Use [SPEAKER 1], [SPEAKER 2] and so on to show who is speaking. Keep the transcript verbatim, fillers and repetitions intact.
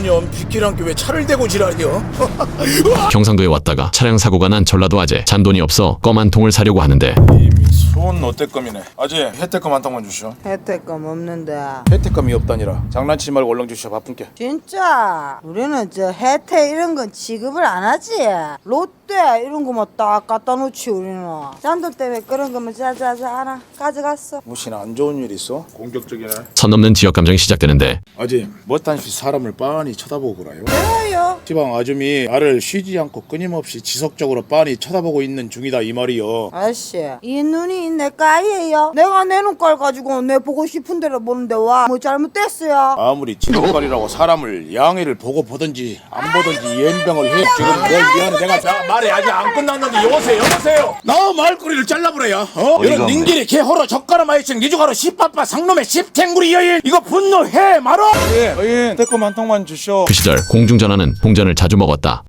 [SPEAKER 1] 미친년 빗길한께 왜 차를 대고 지랄이여?
[SPEAKER 2] 경상도에 왔다가 차량 사고가 난 전라도 아재. 잔돈이 없어 껌 한 통을 사려고 하는데
[SPEAKER 1] 이미 손 어때껌이네. 아재 혜택껌 한 통만 주시오.
[SPEAKER 3] 혜택금 없는데.
[SPEAKER 1] 혜택껌이 없다니라. 장난치지 말고 얼른 주시오. 바쁜게.
[SPEAKER 3] 진짜 우리는 저 혜택 이런 건 지급을 안 하지. 롯데 이런 거만 딱 갖다 놓지 우리는. 잔돈 때문에 그런 거면 자자자 알아 가져갔어.
[SPEAKER 1] 무슨 안 좋은 일 있어? 공격적이네.
[SPEAKER 2] 선 넘는 지역 감정이 시작되는데
[SPEAKER 1] 아재 뭐딴시 사람을 빤히 쳐다보고 그래요?
[SPEAKER 3] 왜요?
[SPEAKER 1] 시방 아줌이 나를 쉬지 않고 끊임없이 지속적으로 빤히 쳐다보고 있는 중이다 이 말이여.
[SPEAKER 3] 아씨 이 눈이 내 까이에요. 내가 내 눈깔 가지고 내 보고 싶은 대로 보는데 와 뭐 잘못됐어요?
[SPEAKER 1] 아무리 지속거리라고 사람을 양해를 보고 보든지 안 보든지 연병을 해. 지금 내 미안해. 내가 자, 말이 아직 안 끝났는데 여보세요 여보세요. 나 말꼬리를 잘라버려야. 어? 이런 닌길이 개호로 젓가락 마이친 니주가로 십바빠 상놈의 십탱구리 여인 이거 분노해 말어. 예, 여인 댓글 한 통만 주쇼.
[SPEAKER 2] 그 시절 공중전화는 동전을 자주 먹었다.